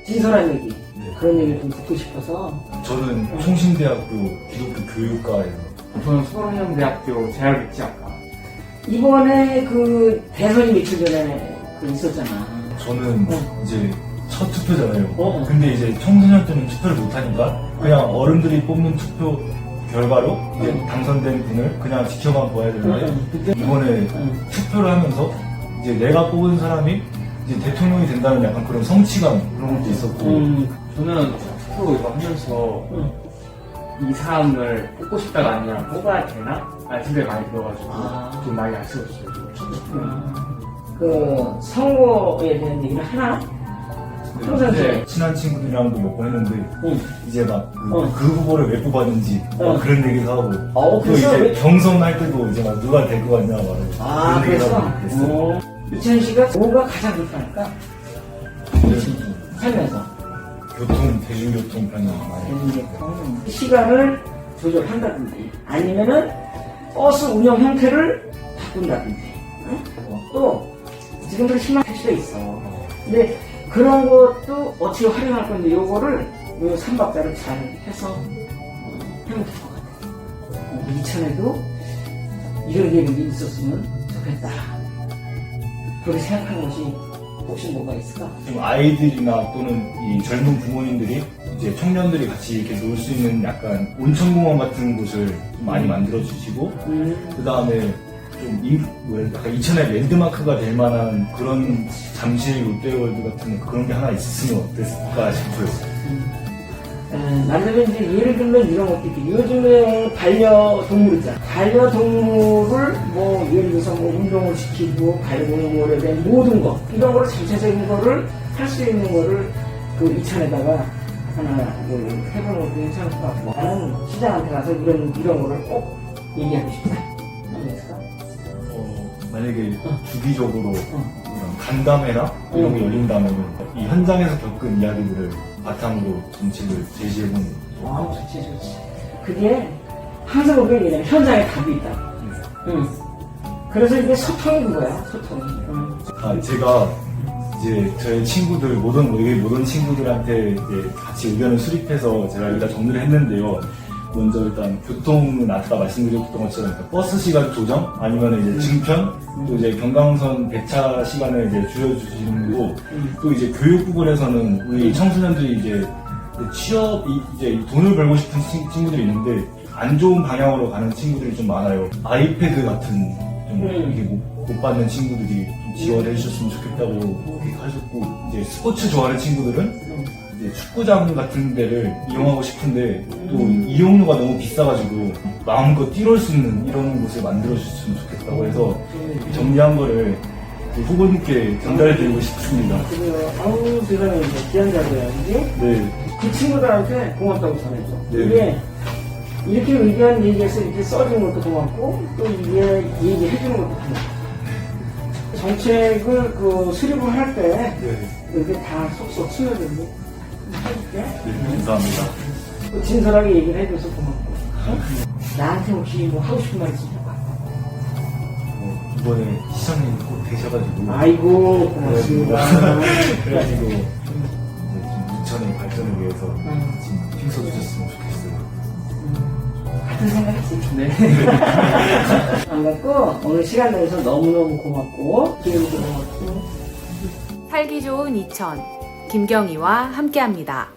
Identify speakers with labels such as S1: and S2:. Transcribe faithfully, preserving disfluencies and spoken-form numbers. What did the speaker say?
S1: 진솔한 얘기,
S2: 네.
S1: 그런 얘기를 좀 듣고 싶어서.
S2: 저는 총신대학교 기독교 교육과에서.
S3: 저는 서울형대학교 재활복지학과.
S1: 이번에 그 대선이 며칠 전에 그 있었잖아.
S2: 저는
S1: 어.
S2: 이제 첫 투표잖아요.
S1: 어.
S2: 근데 이제 청소년 때는 투표를 못하니까 그냥 어른들이 뽑는 투표 결과로 이제
S1: 어.
S2: 당선된 분을 그냥 지켜만 봐야 되는데
S1: 응, 응.
S2: 이번에
S1: 응.
S2: 투표를 하면서 이제 내가 뽑은 사람이 이제 대통령이 된다는 약간 그런 성취감 그런 것도 있었고
S1: 음.
S3: 저는 투표 이거 하면서
S1: 응.
S3: 이 사람을 뽑고 싶다가 아니라 뽑아야 되나? 라는 생각이 많이 들어가지고
S1: 아.
S3: 좀 많이 아쉬웠어요.
S1: 음. 그 선거에 대한 얘기를 하나? 평상시에.
S2: 네, 친한 친구들이랑도 몇 번 했는데
S1: 응.
S2: 이제 막 그
S1: 어.
S2: 그 후보를 왜 뽑았는지 막
S1: 어.
S2: 그런 얘기도 하고
S1: 어,
S2: 또
S1: 그래서
S2: 이제
S1: 왜-
S2: 경선할 때도 이제 막 누가 될 것 같냐 말하고
S1: 아,
S2: 그런 얘기도
S1: 그래서?
S2: 하고 그랬어요.
S1: 어. 이천희 씨가 뭐가 가장 불편할까?
S2: 그래서
S1: 살면서.
S2: 교통, 대중교통 편이 많이
S1: 이제 시간을 조절한다든지, 아니면은 버스 운영 형태를 바꾼다든지, 응? 또, 지금도 희망 택시가 있어. 근데 그런 것도 어떻게 활용할 건데, 요거를, 요 삼박자를 잘 해서 어, 하면 될 것 같아. 어, 이천에도 이런 계획이 있었으면 좋겠다. 그렇게 생각하는 것이 혹시 뭐가 있을까?
S2: 좀 아이들이나 또는 이 젊은 부모님들이 이제 청년들이 같이 이렇게 놀 수 있는 약간 온천공원 같은 곳을 좀 많이 만들어 주시고
S1: 음.
S2: 그 다음에 좀 이, 뭐 약간 이천의 랜드마크가 될 만한 그런 잠실 롯데월드 같은 그런 게 하나 있었으면 어땠을까 싶어요.
S1: 남자는 이제 예를 들면 이런 것도 있고, 요즘에 반려동물 있잖아. 반려동물을 뭐 예를 들어서 뭐 운동을 시키고 반려동물에 대한 모든 것 이런 거를 전체적인 거를 할 수 있는 거를 그 이천에다가 하나 그 해보는 것도 괜찮을 것 같고, 나는 시장한테 가서 이런 이런 거를 꼭 얘기하고 싶다. 하면 있을까?
S2: 어, 만약에 주기적으로
S1: 어.
S2: 이런 간담회나 이런 게
S1: 음.
S2: 열린다면 이 현장에서 겪은 이야기들을 바탕으로 정책을 제시해보는
S1: 아, 좋지, 좋지. 그게 항상 우리가 얘기하는 현장에 답이 있다. 응. 그래서 이게 소통이 그거야, 소통이. 응.
S2: 아, 제가 이제 저의 친구들, 모든, 여기 모든 친구들한테 이제 같이 의견을 수립해서 제가 여기다 정리를 했는데요. 먼저 일단 교통은 아까 말씀드렸던 것처럼 버스 시간 조정, 아니면 이제 증편, 또 이제 경강선 배차 시간을 이제 줄여주시는 거고, 또 이제 교육 부분에서는 우리 청소년들이 이제 취업, 이제 돈을 벌고 싶은 친- 친구들이 있는데, 안 좋은 방향으로 가는 친구들이 좀 많아요. 아이패드 같은 좀
S1: 음.
S2: 이게 못, 못 받는 친구들이 좀 지원해 주셨으면 좋겠다고 그렇게 하셨고, 이제 스포츠 좋아하는 친구들은 이제 축구장 같은 데를 이용하고 싶은데 또 이용료가 너무 비싸가지고 마음껏 뛰놀 수 있는 이런 곳을 만들어주셨으면 좋겠다고 해서 정리한 거를 그 후보님께 전달해드리고 싶습니다.
S1: 그래요. 아우, 세상에, 이제 귀한 자리야, 이게.
S2: 네,
S1: 그 친구들한테 고맙다고 전해줘.
S2: 네.
S1: 이게, 이렇게 의견 얘기해서 이렇게 써준 것도 고맙고, 또 이게 얘기해주는 것도 고맙고. 정책을 그 수립을 할 때,
S2: 네,
S1: 이렇게 다 속속 스며들고 해줄게.
S2: 네, 감사합니다.
S1: 또 진솔하게 얘기를 해줘서 고맙고. 어? 나한테 혹시 뭐 하고 싶은 말 있으면 해봐.
S2: 어, 이번에 시장님 꼭 되셔가지고
S1: 아이고, 고맙습니다.
S2: 그래가지고 이제 좀 이천의 발전을 위해서
S1: 음.
S2: 지금 힘써주셨으면 좋겠어요.
S1: 같은 생각했지.
S3: 네.
S1: 반갑고, 오늘 시간 내서 너무너무 고맙고, 기회도 고맙고.
S4: 살기 좋은 이천 김경희와 함께합니다.